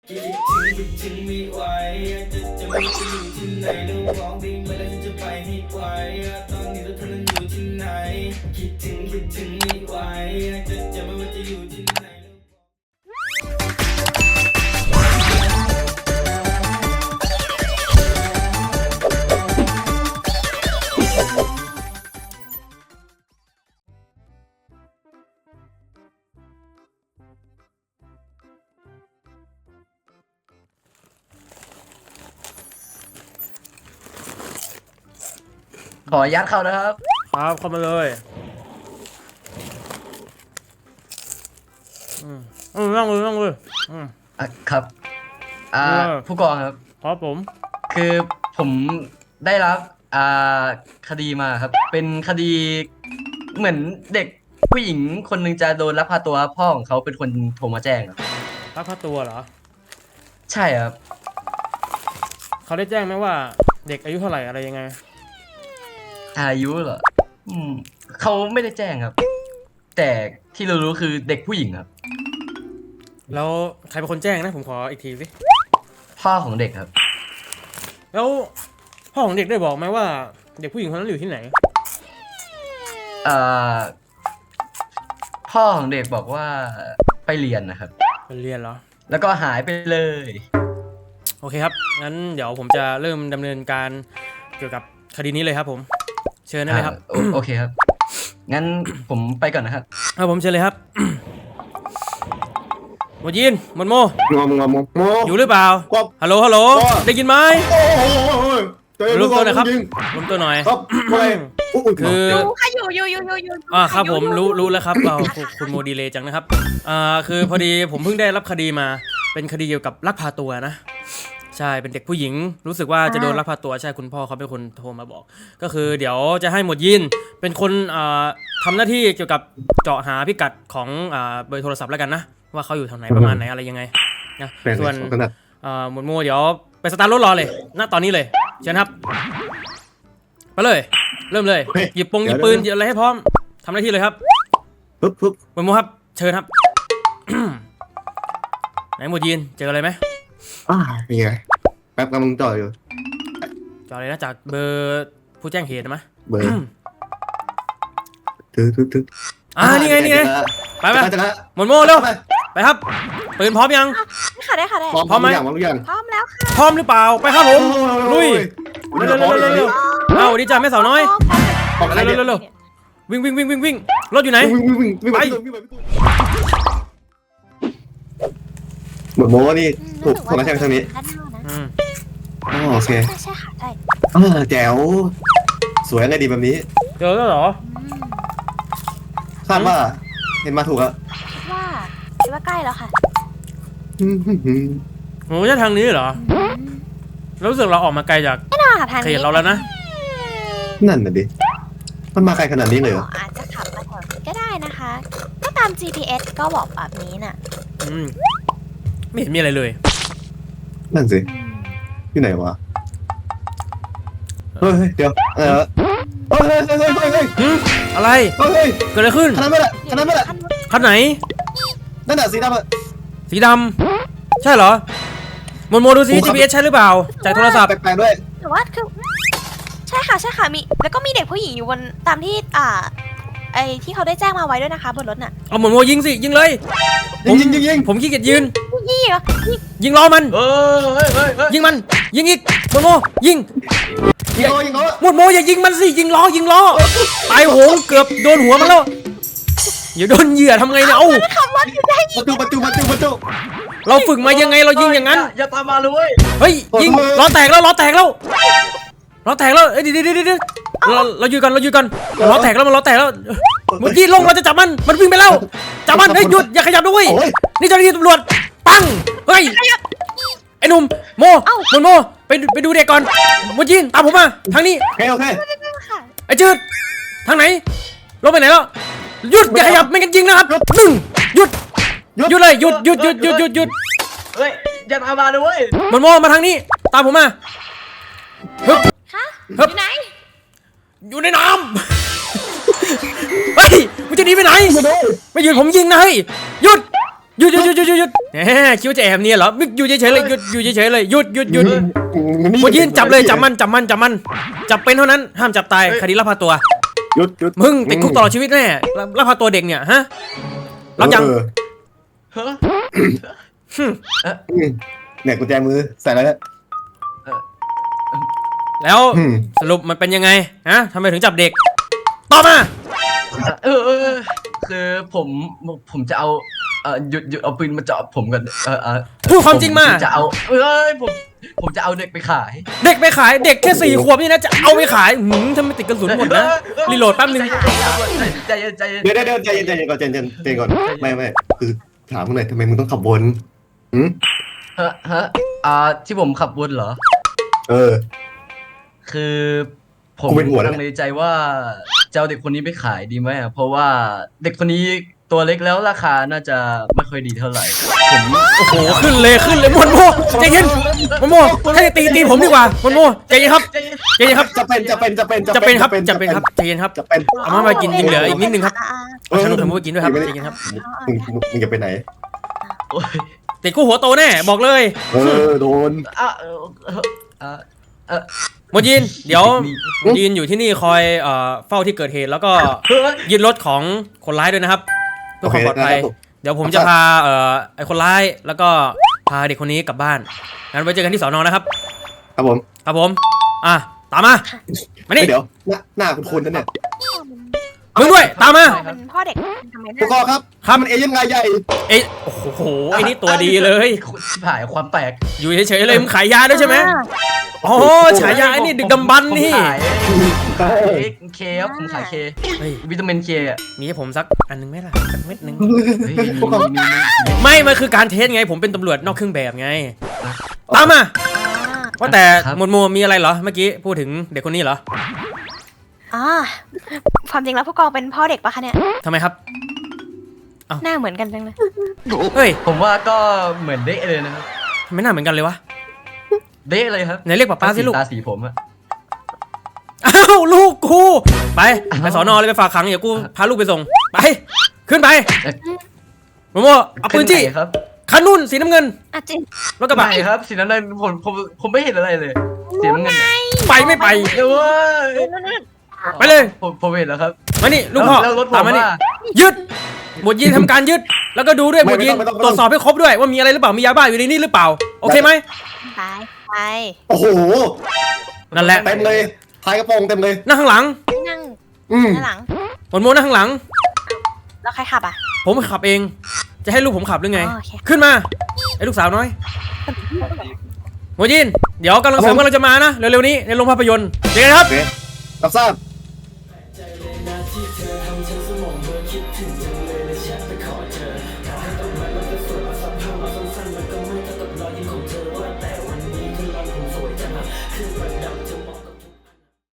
คิดถึงไม่ไหวจะไม่ไปอยู่ที่ไหนแล้วร้องเพลงมาแล้วฉันจะไปให้ไกลตอนนี้เราเธอนั้นอยู่ที่ไหนคิดถึงไม่ไหวจะไม่ว่าจะอยู่ที่ไหนขอยัดเข้านะครับครับเข้ามาเลยนั่งเลยครับผู้กองครับครับผมคือผมได้รับคดีมาครับเป็นคดีเหมือนเด็กผู้หญิงคนหนึ่งจะโดนลักพาตัวพ่อของเขาเป็นคนโทรมาแจ้งครับลักพาตัวเหรอใช่ครับเขาได้แจ้งไหมว่าเด็กอายุเท่าไหร่อะไรยังไงอายุเหรอเขาไม่ได้แจ้งครับแต่ที่เรารู้คือเด็กผู้หญิงครับแล้วใครเป็นคนแจ้งนะผมขออีกทีสิพ่อของเด็กครับแล้วพ่อของเด็กได้บอกไหมว่าเด็กผู้หญิงคนนั้นอยู่ที่ไหนพ่อของเด็กบอกว่าไปเรียนนะครับไปเรียนเหรอแล้วก็หายไปเลยโอเคครับงั้นเดี๋ยวผมจะเริ่มดำเนินการเกี่ยวกับคดีนี้เลยครับผมเชิญได้เลยครับโอเคครับงั้นผมไปก่อนนะครับผมเชิญเลยครับหมดยินหมดโมอยู่หรือเปล่าฮัลโหลได้ยินไหมรวมตัวหน่อยครับรวมตัวหน่อยคือครับผมรู้แล้วครับคุณโมดีเลย์จังนะครับคือพอดีผมเพิ่งได้รับคดีมาเป็นคดีเกี่ยวกับลักพาตัวนะใช่เป็นเด็กผู้หญิงรู้สึกว่าจะโดนลักพาตัวใช่คุณพ่อเขาเป็นคนโทรมาบอกก็คือเดี๋ยวจะให้หมวดยินเป็นคนทำหน้าที่เกี่ยวกับเจาะหาพิกัดของเบอร์โทรศัพท์แล้วกันนะว่าเขาอยู่ทางไหนประมาณไหนอะไรยังไงนะส่วนหมวดโมเดี๋ยวไปสตาร์ทรถรอเลยณตอนนี้เลยเชิญครับไปเลยเริ่มเลยหยิบปืนหยิบอะไรให้พร้อมทำหน้าที่เลยครับหมวดโมครับเชิญครับ ไหนหมวดยินเจออะไรไหมมีไงแป๊บกำลังจ่ออยู่จ่อเลยนะจากเบอร์ผู้แจ้งเหตุไหมเบอร์ทึกนี่ไงไปหมดโม่เร็วไปครับปืนพร้อมยังได้ค่ะพร้อมไหมพร้อมแล้วค่ะพร้อมหรือเปล่าไปครับผมลุยเร็วเอาดีจ้าแม่สาวน้อยเร็ววิ่งรถอยู่ไหนไปหมดโม้นี่ถูกคนละแค่ทางนี้โอเคใช่ค่ะใช่แจ๋วสวยไงดีแบบนี้เจอแล้วเหรอคาดว่าเห็นมาถูกแล้วคิดว่าใกล้แล้วค่ะโอ้ยทางนี้เหรอรู้สึกเราออกมาไกลจากเขตเราแล้วนะนั่นน่ะดิมันมาไกลขนาดนี้เลยเหรออาจจะขับมาแถวนี้ก็ได้นะคะก็ตาม GPS ก็บอกแบบนี้น่ะไม่เห็นมีอะไรเลยนั่นสิที่ไหนวะเฮ้ยเดี๋ยวอะไรเกิดอะไรขึ้นคันนั้นไม่แหละคันไหนนั่นน่ะสีดำใช่เหรอโมดูซิ GPS ใช่หรือเปล่าจากโทรศัพท์แปลกๆด้วยแต่ว่าคือใช่ค่ะมีแล้วก็มีเด็กผู้หญิงอยู่บนตามที่ไอ้ที่เขาได้แจ้งมาไว้ด้วยนะคะบนรถน่ะเอาโมยิงสิยิงเลยยิงผมขี้เกียจยืนยิงล้อมันยิงมันยิงอีกโมยิงโมอย่ายิงมันสิยิงล้อตายโหงเกือบโดนหัวมันแล้วอย่าโดนเหยื่อทำไงเนี่ยประตูเราฝึกมายังไงเรายิงอย่างนั้นอย่าตามมาเลยเฮ้ยยิงล้อแตกแล้วเดี๋ยวเราอยู่กันมันล้อแตกแล้วเมื่อกี้ลงเราจะจับมันวิ่งไปแล้วจับมันเฮ้ยหยุดอย่าขยับด้วยนี่เจ้าหน้าที่ตำรวจปังเฮ้ยไอ้หนุ่มโมไปดูเด็กก่อนหมดยินตามผมมาทางนี้โอเคไอ้จืดทางไหนลงไปไหนแล้วหยุดอย่าขยับไม่กันยิงนะครับหยุดเลยหยุดเฮ้ยอย่าตามมาเลยโมมาทางนี้ตามผมมาอยู่ไหนอยู่ในน้ำเฮ้ยมันจะหนีไปไหนไม่หยุดผมยิงนะเฮ้ยหยุดหยุดแหมคิดว่าจะแอบเนี่ยเหรอมึงอยู่เฉยๆเลยหยุดเฉยๆเลยหยุดหมดยินจับเลยจับมันจับเป็นเท่านั้นห้ามจับตายคดีลักพาตัวหยุดมึงติดคุกตลอดชีวิตแน่ลักพาตัวเด็กเนี่ยฮะรับยังเฮ้เนี่ยกุญแจมือใส่แล้วแล้วสรุปมันเป็นยังไงฮะทำไมถึงจับเด็กตอบมาคือผมจะเอาหยุดเอาปืนมาเจาะผมกันพูดความจริงมาจะเอาผมจะเอาเด็กไปขายเด็กแค่4 ขวบนี่นะจะเอาไปขายทำไมติดกระสุนหมดนะรีโหลดแป๊บนึงใจเย็นเดี๋ยวใจเย็นก่อนไม่คือถามมึงหน่อยทำไมมึงต้องขับวนที่ผมขับวนเหรอคือผมลังเลใจว่าจะเอาเด็กคนนี้ไปขายดีไหมเพราะว่าเด็กคนนี้ตัวเล็กแล้วราคาน่าจะไม่ค่อยดีเท่าไหร่ผมโอ้โหขึ้นเลยมอนโมใจเย็นมอนโมให้ตีผมดีกว่ามอนโมใจเย็นครับจะเป็นครับใจเย็นครับเอามากินเหลืออีกนิดนึงครับฉันต้องทำให้กินด้วยครับใจเย็นครับมึงจะไปไหนติดคู่หัวโตแน่บอกเลยโดนหมดยินเดี๋ยวยินอยู่ที่นี่คอยเฝ้าที่เกิดเหตุแล้วก็ยึดรถของคนร้ายด้วยนะครับเพื่อความปลอดภัยเดี๋ยวผมจะพาไอ้คนร้ายแล้วก็พาเด็กคนนี้กลับบ้านงั้นไว้เจอกันที่สน.นะครับครับผมตามมานี่เดี๋ยวหน้าคุณนั่นเนี่ยมึงด้วยตามมาเป็นพ่อเด็กทำไมผู้กองครับมันเอเย่นรายใหญ่โอ้โหไอ้นี่ตัวดีเลยถ่ายความแปลกอยู่เฉยๆเลยมึงขายยาด้วยใช่ไหมโอ้ฉายาไอ้นี่ดึกดำบรรพ์นี่เคครับผมขายเควิตามินเคมีให้ผมสักอันนึงไหมล่ะสักเม็ดนึงไม่มันคือการเทสไงผมเป็นตำรวจนอกเครื่องแบบไงตามมาว่าแต่หมวดหมู่มีอะไรเหรอเมื่อกี้พูดถึงเด็กคนนี้เหรอความจริงแล้วผู้กองเป็นพ่อเด็กปะคะเนี่ยทำไมครับหน้าเหมือนกันจังเลยเฮ้ยผมว่าก็เหมือนเด๊ะเลยนะครับทำไมหน้าเหมือนกันเลยวะเด๊ะเลยครับไหนเรียกป้าสิลูกตาสีผมอะอ้าวลูกกูไปสน.เลยไปฝากขังเดี๋ยวกูพาลูกไปส่งไปขึ้นไปโมโมเอาปืนจี้ครับคันนุ่นสีน้ำเงินจริงรถกระบะครับสีน้ำเงินผมไม่เห็นอะไรเลยสีน้ำเงินไปไม่ไปไปเลยผมเห็นแล้วครับมานี่ลูกพ่อตามมานี่ยึดหมวดยินทำการยึดแล้วก็ดูด้วยหมวดยินตรวจสอบให้ครบด้วยว่ามีอะไรหรือเปล่ามียาบ้าอยู่ในนี้หรือเปล่าโอเคไหมไปโอ้โหนั่นแหละเต็มเลยท้ายกระโปรงเต็มเลยนั่งข้างหลังนั่งหลังหมวดโมนั่งข้างหลังแล้วใครขับผมขับเองจะให้ลูกผมขับหรือไงขึ้นมาไอ้ลูกสาวน้อยหมวดยินเดี๋ยวกำลังเสริมกำลังจะมานะเร็วๆนี้ในโรงภาพยนตร์เจอกันครับรับทราบ